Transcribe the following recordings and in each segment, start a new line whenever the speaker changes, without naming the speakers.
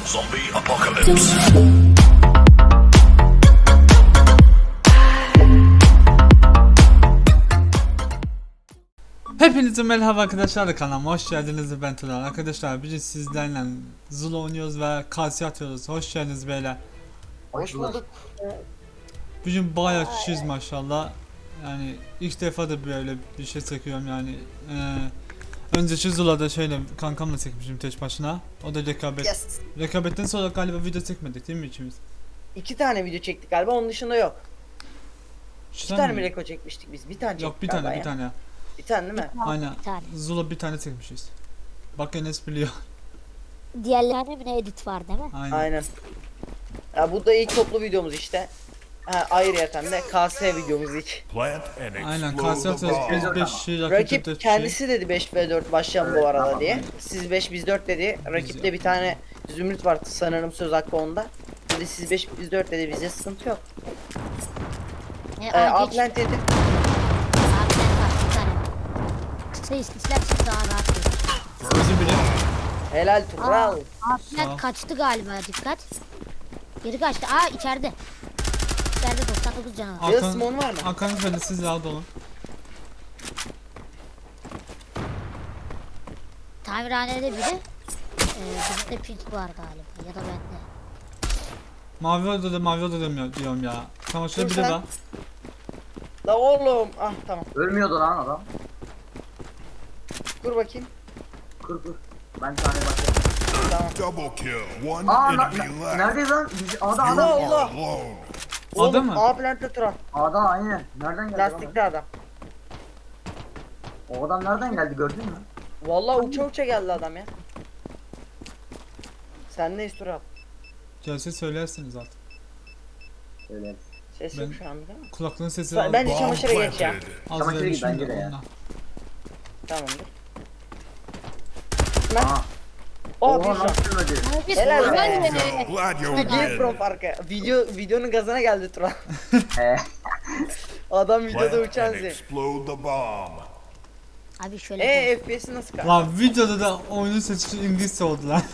Zombie apocalypse.
Hepinize merhaba arkadaşlar, kanalıma hoş geldiniz. Ben Turan. Arkadaşlar bugün sizlerle Zula oynuyoruz ve Kalsi atıyoruz. Hoş geldiniz beyler.
Hoş bulduk.
Bugün bayağı kişiyiz maşallah. Yani ilk defa da böyle bir şey çekiyorum yani. Önceki Zula'da şöyle kankamla çekmişim tek başına. O da rekabet.
Yes.
Rekabetten sonra galiba video çekmedik değil mi ikimiz?
2 tane video çektik galiba, onun dışında yok.
Şu
2 tane mi reko çekmiştik biz? Bir tane çektik
Yok, bir
galiba
tane
ya.
bir tane.
Bir tane değil mi?
Aynen.
Bir tane.
Zula bir tane çekmişiz. Bak Enes biliyor.
Diğerlerine bir edit var değil mi?
Aynen.
Aynen. Ya bu da ilk toplu videomuz işte. Ha, ayrıyeten de KS videomuz ilk.
Plant and
Aynen,
explode
Kalsi
the
atıyoruz. Biz
bomb.
5 kişi, rakip
Rakip
4
kendisi dedi 5v4 başlayalım bu arada
tamam.
diye. Siz 5 biz 4 dedi. Rakipte bir tane Zümrüt var sanırım, söz hakkı onda. Dedi siz 5 biz 4 dedi, bize sıkıntı yok.
Geç.
Upland dedi.
Abiden var bir tane. Kısa istersen daha rahat olur.
Özür dilerim.
Helal Tural.
Sağ ol.
Abiden kaçtı galiba, dikkat. Geri kaçtı. Aa içeride. İçeride 99 canı var.
Yıl Simon var mı?
Arkanız böyle, siz rahat olun.
Tamirhanede biri. Bizde pink var galiba ya da bende.
Mavi odada diyorum ya. Tamam, şöyle
Dur
biri
sen.
var.
La oğlum. Ah tamam.
Ölmüyordu lan adam.
Dur bakayım.
Kır. Ben tane bakıyorum.
Tamam.
Double kill. One enemy left.
Neredeyiz lan? Adam
Allah
adam.
Allah.
Alone.
Adam mı?
Upland'de Tural.
Adam aynen. Nereden geldi?
Lastikli adam.
O adam nereden geldi gördün mü?
Vallahi uça uça geldi adam ya. Sen ne Tural?
Gelse söylersiniz artık.
Öyle.
Ses
Ben-
yok şu anda değil mi?
Kulaklığın sesi
Bence
Bomb
çamaşıra geç ya.
planted.
az
Çamaşır gibi
vermişim
bence
de
de ya.
ondan.
Tamamdır.
Aa.
Oh
Oha
bir
nasıl ölmedi?
Helal be.
Glad you
Game
win.
from farkı. Videonun gazına geldi Tural.
He.
Adam videoda
Plant
uçan
and
zil.
explode the bomb.
Abi şöyle.
FPS'i nasıl kaldı?
Lan videoda da oyunun sesi İngilizce oldu lan.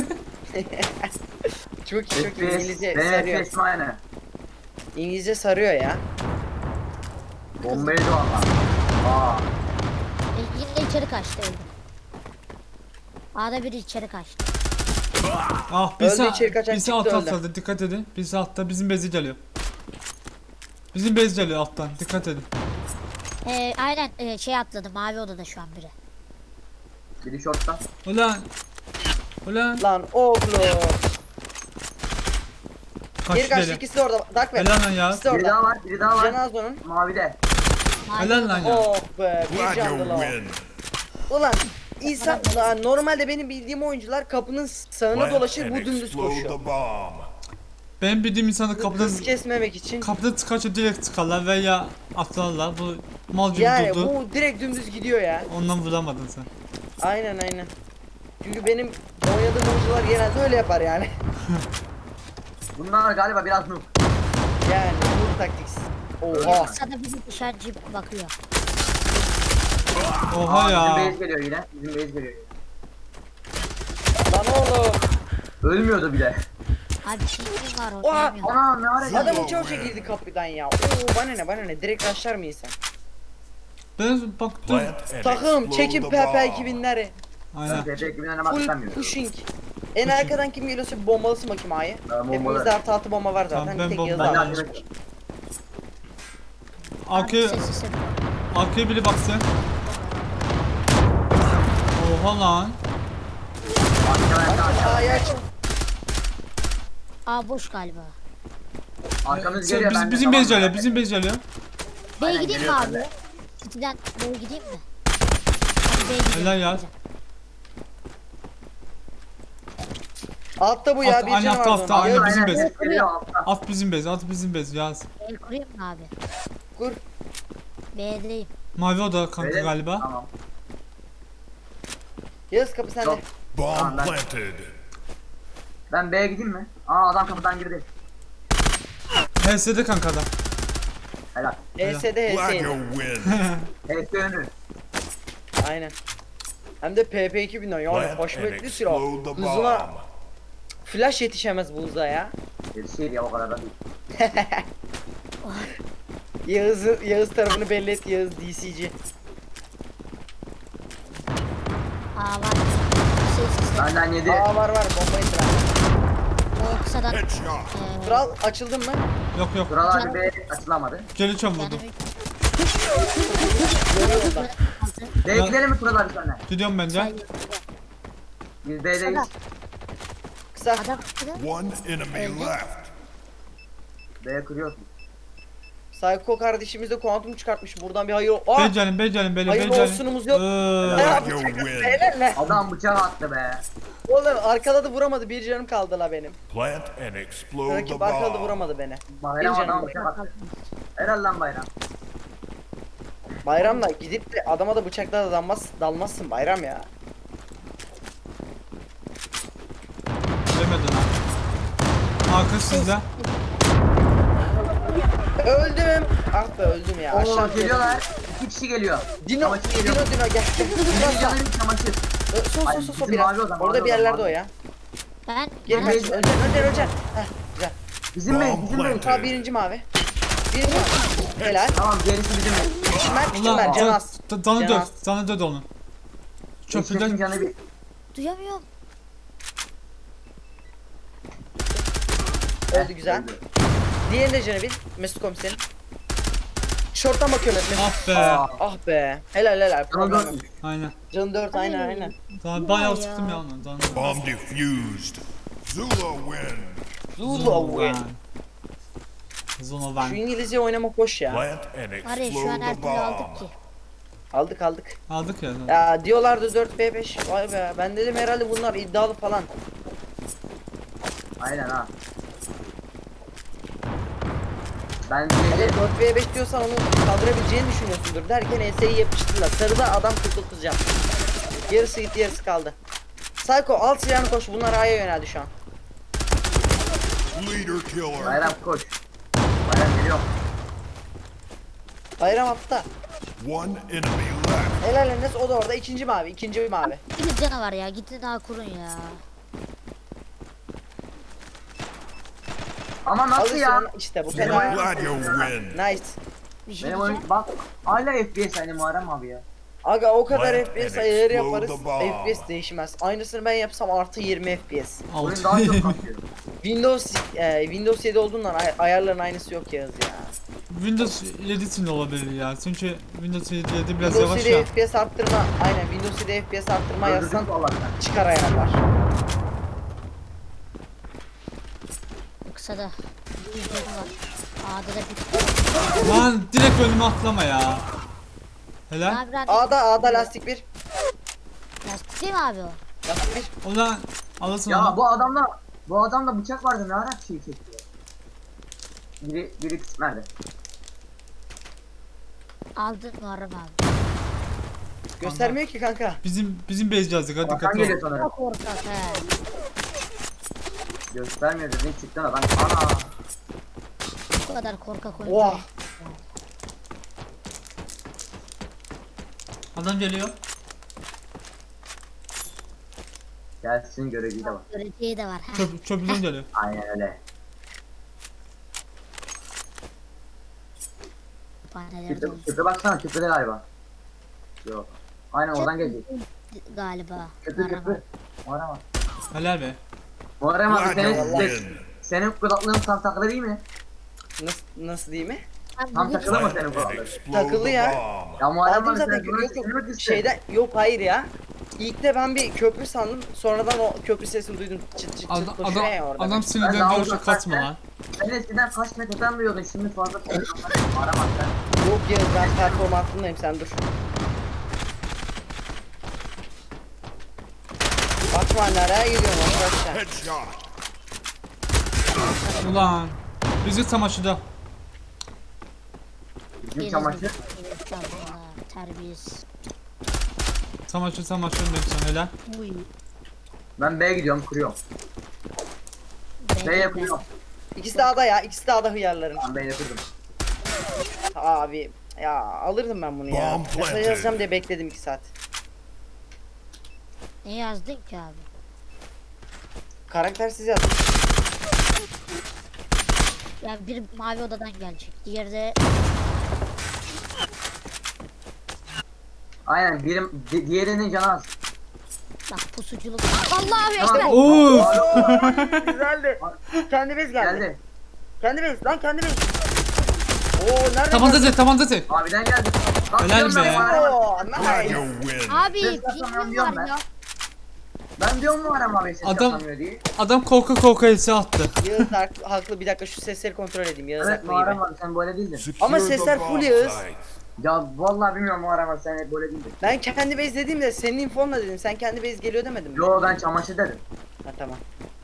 Çok iyi İngilizce
Benim
sarıyor.
FPS aynı.
İngilizce sarıyor ya.
Bombaydı valla. Aa.
Yine içeri kaçtı öldü. A'da biri içeri kaçtı.
Ah,
Öldü, içeri kaçan
birisi
çıktı,
altta
öldü.
atladı, dikkat edin. Birisi altta, bizim bezi geliyor. Bizim bez geliyor alttan, dikkat edin.
Aynen şey atladı, mavi odada şu an biri.
Biri shortta.
Ulan. Ulan.
Lan oğlum. Geri
Kaçtı
kaçtı,
deli.
ikisi de orada. Dark ver.
Helal lan ya.
İkisi de
Biri
orada.
daha var. Biri daha var.
Cenazo'nun.
Mavide.
Mavi
Helal
odada.
lan ya.
Oh be, bir
Glad you
canlı lan.
win.
Ulan insan lan, normalde benim bildiğim oyuncular kapının sağına
Plant
dolaşır,
and
bu dümdüz
explode
koşuyor.
the bomb.
Ben bildiğim insanı
Hız
kapıdan
kesmemek için.
çıkarsa direkt çıkarlar veya atlarlar. Bu mal gibi
Yani
durdu.
bu direkt dümdüz gidiyor ya.
Ondan vuramadın sen.
Aynen. Çünkü benim oynadığım oyuncular genelde öyle yapar yani.
Bunlar galiba biraz noob.
Yani bu taktiksiz. Oha.
Sana bizi dışarıcı bakıyor.
Oha
Aa,
ya.
Bizim base geliyor yine. Bizim base geliyor yine.
Lan oğlum.
Ölmüyordu bile.
Abi pink'in var
Oha!
oynayamıyorum.
Ana ne var ya?
Adam uça uça girdi kapıdan ya. Oo bana ne direkt rushlar mı insan?
Ben baktım.
Plant and
Takım
explode
çekin
the
PP
bomb.
2000'leri.
Aynen.
TP gibinden hemen
Full
tutamıyorum.
pushing. En arkadan kim geliyorsa bir bombalısın bakayım A'yı.
Ben bombalarım.
Hepimizde artı 6 bomba var zaten.
Tamam, ben
Tek
bomba-
Yıldız
Ben de
abi.
acele-
Arkaya,
Sesi.
arkaya biri baksın. Oha lan.
A'yı aç.
A boş galiba.
Arkamız geliyor. ben de
Bizim bez
tamam.
geliyor, bizim bez geliyor.
B'ye
Aynen,
gideyim mi
geliyor
abi?
bende.
City'den B'ye gideyim mi? Hadi B'ye gidelim.
Helal ya.
Altta bu ya, bir
Aynen,
canı
altta,
var
altta,
onun.
aynen.
Gel,
bizim
Aynen,
bez.
geliyor altta.
At bizim bez, at bizim bez yaz.
El kurayım mı abi?
Kur.
B'deyim.
Mavi oda kanka
Öyle mi?
galiba.
Tamam.
Yıldız kapı sende.
Yok.
Bomb
Tamam, ben-
planted.
Ben B'ye gideyim mi? Aa adam kapıdan girdi.
HS'de kanka adam.
Helal.
HS'de
Glad
HS'ydi.
you win.
HS önü.
Aynen. Hem de PP 2000'den yani
Plant
hoşmetli
and
silah.
explode the
Hızına
bomb.
Flash yetişemez Buğza ya.
Yetişir ya o kadar da değil.
Yağız tarafını belli et, Yağız DC'ci.
Aa var. Şey,
Benden yedi.
Aa var bombayı sıra.
o kısadan.
Headshot.
Kral açıldın mı?
Yok.
Buralar bir açılamadı.
Geri çam vurdum.
Görüyorum da.
B'ye gidelim mi Tural abi senle?
Gidiyorum bence.
Biz B'deyiz.
Kısa.
Adam kısadan.
One enemy left.
B'ye kırıyorsun.
Psycho kardeşimiz de kuantum çıkartmış. Buradan bir hayır. Aa!
Becalim böyle
Hayırlı
becalim.
olsunumuz yok.
Glad you win.
Helal lan.
Adam bıçağı attı be.
Oğlum arkada da vuramadı. Bir canım kaldı la benim.
Plant and explode the
Rakip arkada da
bomb.
vuramadı beni.
Bayram
Bir canım
adam
var.
bıçak attı. Helal lan bayram.
Bayramla gidip de adama da bıçakla da dalmazsın bayram ya.
Demedin ha. Arkası sizde.
Öldüm. Ah be öldüm ya.
Oo
Aşağı
geliyorlar. 2 kişi geliyor.
Dino
Çamaşır geliyor.
gel.
Bir canı bir çamaşır. Ay,
Sol
bizim
biraz.
mavi o zaman,
Orada
mavi
bir
o
yerlerde
zaman.
o ya.
Ben
Geri
bana-
kaç. Öleceksin. Heh güzel.
Bizim mi?
Bomb
Bizim mi?
planted.
Ta birinci mavi. Birinci mavi. Helal.
Tamam gerisi bizim mi?
Küçüm ben
Ulan
Canaz.
canı
Canaz.
dört. Canı dört onun.
Eşref'in
Çöpüden
canı bir.
Duyamıyorum.
Öldü güzel.
Öldü.
Diğerine de canı bir. Mesut komiserin. Şorttan bakıyorum hep Mesut.
ah be.
Aa,
Ah be. Helal.
canı
Problem yok.
dönmüş.
Aynen.
Canı 4 aynen.
Daha bayağı sıktım ya onu. Canı dört.
Bomb defused. Zula win.
Zula win.
Zula
Şu
win.
İngilizce oynamak hoş ya.
Plant and
Var ya şu an
explode
her
the
türlü aldık ki.
bomb.
Aldık.
Aldık ya.
Ya diyorlardı 4v5. Vay be. Ben dedim herhalde bunlar iddialı falan.
Aynen ha. Ben
Hele
bir
4v5 diyorsan onu kaldırabileceğini düşünüyorsundur derken ES'yi yapıştırdılar. Sarıda adam 49 can. Yarısı gitti yarısı kaldı. Psycho al silahını koş. Bunlar A'ya yöneldi şu an.
Leader killer.
bayram koş. Bayram geliyor.
Bayram attı.
One enemy left.
Helal Enes o da orada. İkinci mavi.
Bir canavar ya. Gidin daha kurun ya.
Ama
Al
nasıl ya?
silahını işte bu
Benim
kadar.
Glad you win.
Nice.
Bir şey
Benim
diyeceğim.
oyun bak hala FPS hani Muharrem abi ya.
Aga o kadar
Plant
FPS
and
ayarı
explode
yaparız.
the bomb.
FPS değişmez. Aynısını ben yapsam artı 20 FPS.
Oyun daha çok kasıyor.
Windows 7 olduğundan ayarların aynısı yok Yağız ya.
Windows 7 için de olabilir ya. Çünkü Windows 7 biraz
Windows
yavaş
7
ya.
FPS arttırma. Aynen Windows 7 FPS arttırma yazsan
Öldürdük Allah'tan.
çıkar ayarlar.
Kısada. Bir canı var. A'da da bir.
Lan direkt önüme atlama ya. Helal.
Abi ben
A'da lastik 1.
lastik değil mi abi o?
Lastik 1.
Ulan alırsın
Ya
onu.
bu adamda bıçak vardı ne ara şey çekti. Biri kısık nerede?
Aldın Muharrem abi.
Göstermiyor ki kanka.
Bizim base yazdık hadi
Bakan
dikkatli
geliyor
ol.
sanırım.
Çok korkak he.
Göstermiyor dedin çıktın adam. Ana.
Bu kadar korkak oyun.
Oha.
Adam geliyor.
Gelsin göreceği de var.
Göreceği de var. Ha.
Çöpüden geliyor.
Aynen öyle.
Panelerde
Köprü baksana köprüde galiba. Yok. Aynen oradan gelecek.
galiba.
Köprü
Muharrem
köprü.
abi.
Muharrem abi.
Helal be.
Muharrem abi
Glad you
senin,
win.
senin kulaklığın tam takılı değil mi?
Nasıl değil mi?
Abi
Tam
bu
takılı mı
Plant
senin
and
kulaklığın?
explode
Takılı
the
ya.
bomb.
Ya Muharrem
Aldım
abi
zaten
sen bunu
yok
sesini mi kıstın?
şeyden yok hayır ya. İlk de ben bir köprü sandım. Sonradan o köprü sesini duydum. Çıt çıt
Adam,
çıt koşuyor ya orada.
adam
Ben
sinirden
daha
diyor şu
uzaktan
kaçma
sen-
lan.
Sen eskiden kaç metreden duyuyordun şimdi fazla Muharrem abi sen.
Yok Yağız ben performansındayım sen dur. Kaçma nereye gidiyorsun arkadaşlar?
Headshot.
Ulan. Bizi çamaşırda.
Bizim çamaşır.
Terbiyesiz.
Çamaşır ne güzel helal.
Uy.
Ben B'ye gidiyorum kuruyorum. B yapıyorum.
İkisi de A'da ya. İkisi de A'da hıyarların.
Ben B yapıyordum.
Abi ya alırdım ben bunu ya.
Bomb
Mesaj
planted.
yazacağım diye bekledim 2 saat.
Ne yazdın ki abi?
Karaktersiz yazdım.
Yani bir mavi odadan gelecek. Diğeri de
Aynen diğerinin canı az.
bak pusuculuk. Allah'ım
Tamam.
ekber.
Oo.
Güzeldi. Kendi bez geldi.
Geldi.
Kendi bez lan kendi bez. Oo nerede?
Tabanca tek, tabanca tek.
Abiden geldi. Bak,
Helal
diyorum
be.
ben Muharrem abi.
Oo
Glad
nice.
you win.
Abi
Ses atamıyorum
pingim
diyorum
var
ben.
ya.
Ben diyorum Muharrem abi ses
Adam-
yapamıyor diye.
Adam korka korka else attı.
Yağız haklı, bir dakika şu sesleri kontrol edeyim. Yağız
Evet
haklı gibi.
Muharrem abi sen böyle değildin.
Secure
Ama
the
sesler
bomb
full Yağız.
site.
Ya vallahi bilmiyorum Muharrem abi sen hep böyle değildin.
Ben kendi bez dediğimde senin infonla dedim. Sen kendi bez geliyor demedin mi?
Yo ben çamaşır dedim.
Ha tamam.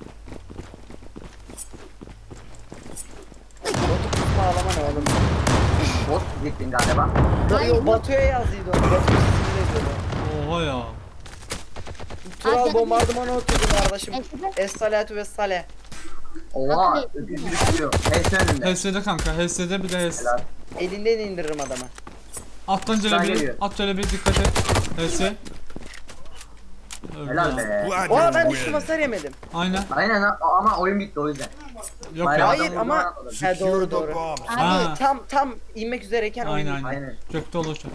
Botu kusma ağlama ne oğlum?
Bot gittin galiba.
Yo, Batu'ya yazdıydı onu. Batu sesini yazıyordu.
Oha ya.
Tural
Abi,
bombardımanı oturdum kardeşim.
Eskiden
Es-salatu ve sale.
Oha
Abi,
öküz gibi çıkıyor. Neyse önünde.
HS'de kanka, HS'de bir de HS.
Helal.
Elinden indiririm adamı.
Alttan
Sağ
şöyle bir,
geliyor.
at şöyle bir dikkat et. HS. Öldü
Helal
ya.
be.
Glad
Oha ben
you
üstüm
win.
hasar yemedim.
Aynen.
Aynen ama oyun bitti o yüzden.
Yok
Bayrağı
ya.
Hayır
adam
ama
vurdu, atladı.
ha,
Secure
doğru
the
doğru.
bomb site.
Ha.
Tam inmek üzereyken oyun
Aynen
bitti.
aynen.
Aynen.
Gökte olacak.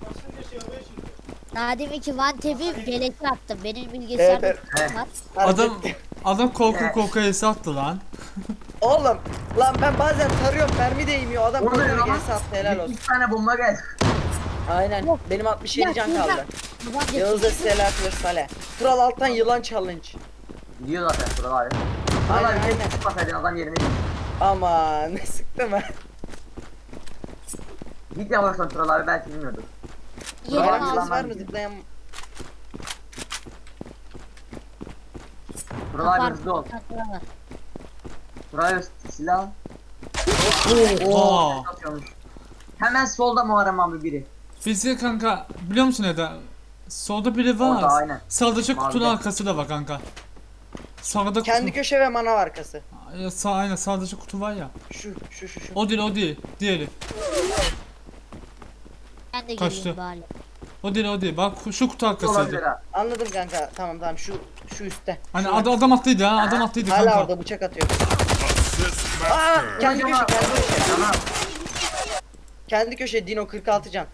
daha deminki Van Tep'i beleşe attım. Benim bilgisayarda
Evet,
evet.
var.
Adam korka korka HS attı lan.
Oğlum lan ben bazen tarıyorum mermi değmiyor adam
Orada
koyuyor
ama
gelse attı helal olsun.
2 tane bomba geldi.
Aynen
Yok.
benim 67 can
Ya,
kaldı.
Van Tep'i-
Yağız'a selatü ve sale. Tural alttan yılan challenge.
Gidiyor zaten Tural abi. Tural
Aynen,
abi
aynen.
keşke çıkmasaydın adam yerine git.
Aman ne sıktım ha.
Git yavaştan Tural abi belki bilmiyordur.
Yerim
Bayrak
Yılan
ağzı.
ses var mı
var.
zıplayan?
Tural abi hızlı ol.
Var.
Tural abi silah.
Oha.
Atıyormuş. Hemen solda Muharrem abi biri.
Bizi kanka biliyor musun Eda? Solda biri var.
Orada, aynen.
Sağdaki kutunun
Mavide.
arkası da var kanka. Sağda
Kendi
kutu.
köşe ve manav arkası.
Ya, aynen sağdaki kutu var ya.
Şu.
O değil o değil. Diğeri.
Ben de
Kaçtı.
geleyim bari.
O değil o değil. Bak şu kutu
Olabilir
arkasıydı.
ha.
Anladım kanka tamam şu üstte.
Hani
Şu
adam attıydı ha. Adam attıydı
hala
kanka.
orada bıçak atıyor.
Assist
Aa
master.
kendi köşe kendi köşe.
Tamam.
Kendi köşe Dino 46 can.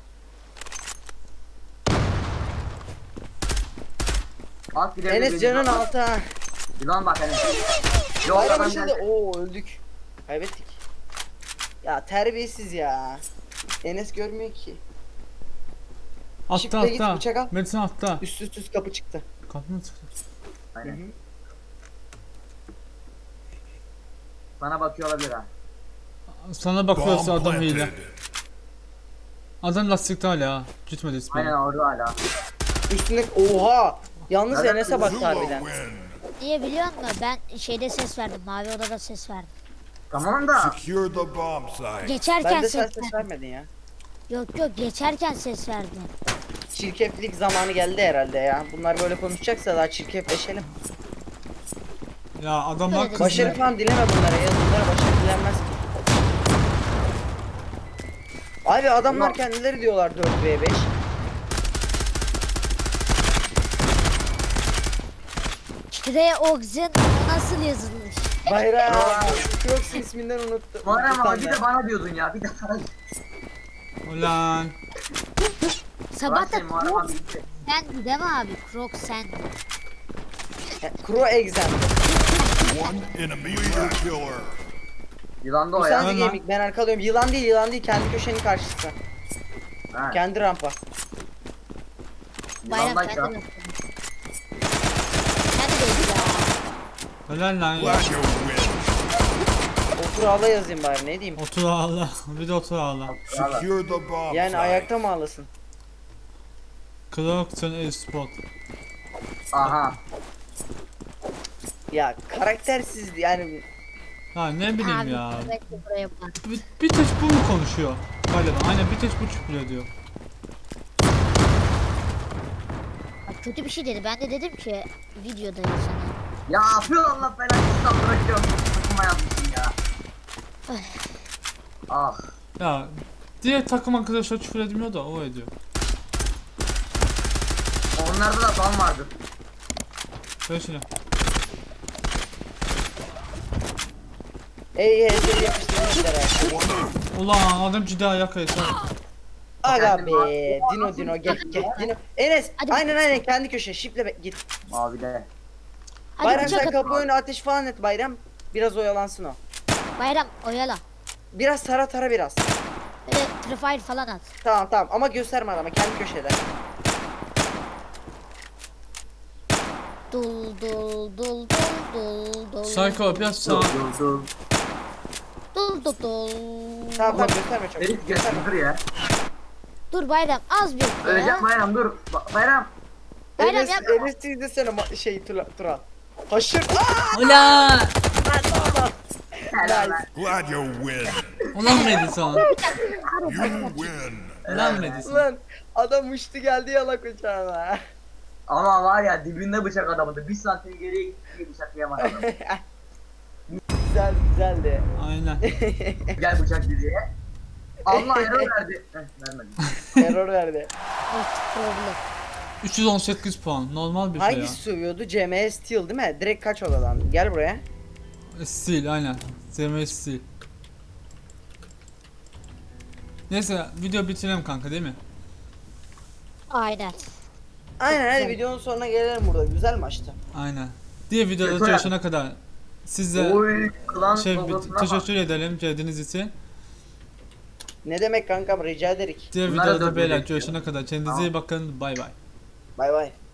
Alt gidelim.
Enes canın altı ha.
Yılan bak Enes. Yok
Bayram
adam
içinde
geldi.
oo öldük. Kaybettik. Ya terbiyesiz ya. Enes görmüyor ki.
Atta
Şifre git,
atta.
bıçak al.
Metin atta.
Üst kapı çıktı.
Kapı mı çıktı?
Aynen.
Hı hı.
Sana bakıyor olabilir ha.
Sana bakıyorsa
Bomb
adam hile.
planted.
Adam lastikte hala ha. Gitmedi ismi.
Aynen orada hala.
Üstüne oha. Yalnız
Nereden
Enes'e baktı
Zula
harbiden.
win.
Niye biliyor musun? Ben şeyde ses verdim. Mavi odada ses verdim.
Tamam da.
Secure the bomb site.
Geçerken
Ben de sen
ses
ses
verdim.
vermedin ya.
Yok geçerken ses verdim.
Çirkeflik zamanı geldi herhalde ya. Bunlar böyle konuşacaksa daha çirkefleşelim.
Ya adamlar
Öyle
kızdı.
Başarı falan dileme bunlara ya. Bunlara başarı dilenmez ki. Abi adamlar
Ulan.
kendileri diyorlar 4v5.
Kire Oxen nasıl yazılmış?
Bayram. Crocs isminden unuttum.
Muharrem abi bir
Utandım.
de bana diyordun ya. Bir de sana.
Ulan.
Sabah da
Muharrem abi
Crocs
gitti.
sendi değil mi abi? Crocs sen.
Crow exam.
One enemy left. Killer.
Yılan da
Bu
o ya.
sensi
Hemen.
gaming ben arkalıyorum. Yılan değil kendi köşenin karşısı.
Ha,
Kendi rampa.
Bayram
yılan da
kendi
ya.
yaptı. Kendi değil ya.
Helal lan ya.
Glad you win.
Otur ağla yazayım bari ne diyeyim.
Otur ağla. Bir de otur ağla.
Secure the bomb
Yani
site.
ayakta mı ağlasın?
Clarkson e-sport.
Aha.
Ya karaktersiz yani.
Ya ne bileyim
Abi
ya.
sürekli buraya bak.
Bir tek bu mu konuşuyor? Galiba. Aynen bir tek bu çıkıyor diyor.
Bak kötü bir şey dedi. Ben de dedim ki videodayım sana.
Ya yapıyor Allah belanı İslam bırakıyorum. Takıma yapmışsın ya. Ah.
Ya diğer takım arkadaşlar küfür edmiyor da o ediyor.
Onlarda da ban vardı.
Böyle şimdi.
Ey HS'yi yapıştırmışlar ha.
Ulan adam ciddi ayak kayısı.
Aga be. Dino gel. Dino. Enes
Hadi.
aynen kendi köşe. Şiple git.
Mavide.
Hadi
Bayram
bıçak
sen
at.
kapı önü ateş falan et Bayram. Biraz oyalansın o.
Bayram oyala.
Biraz tara biraz.
Böyle trifire falan at.
Tamam ama gösterme adama kendi köşede.
Dul dul dul dul dul dul.
Psycho biraz sağ.
Dur.
Dul dul dul.
Tamam gösterme çok.
Herif
Gösterme.
gelsin dur ya.
Dur Bayram az bir ya.
Öleceğim Bayram dur. Bayram.
Bayram
Enes,
yapma.
Enes izlesene Turan. Haşır.
Ulan!
Helal lan.
Glad you win.
Ulan Madison.
You win.
Ulan Madison.
Lan adam uçtu geldi yalak uçağına.
Ama var ya dibinde bıçak adamıydı. 1 santim geriye gitti bıçaklayamadı adam.
Güzeldi.
Aynen.
Gel bıçak diye. Allah error verdi. Vermedi.
Error verdi.
Artık problem.
318 puan. Normal bir şey ya.
Hangisi sövüyordu? CMS Steel değil mi? Direkt kaç odadan? Gel buraya.
Steel aynen. ZM Steel. Neyse video bitirelim kanka değil mi?
Aynen.
Aynen hadi
güzel.
videonun sonuna gelelim burada. Güzel maçtı.
Aynen. Diğer videoda
Yeter.
görüşene kadar size
Oy klan
şey
logosuna bak.
teşekkür edelim geldiğiniz için.
Ne demek kankam rica ederik.
Diğer
Bunlara
videoda
dört
beyler
bekliyor.
görüşene kadar kendinize iyi bakın. Bay bay.
Bay bay.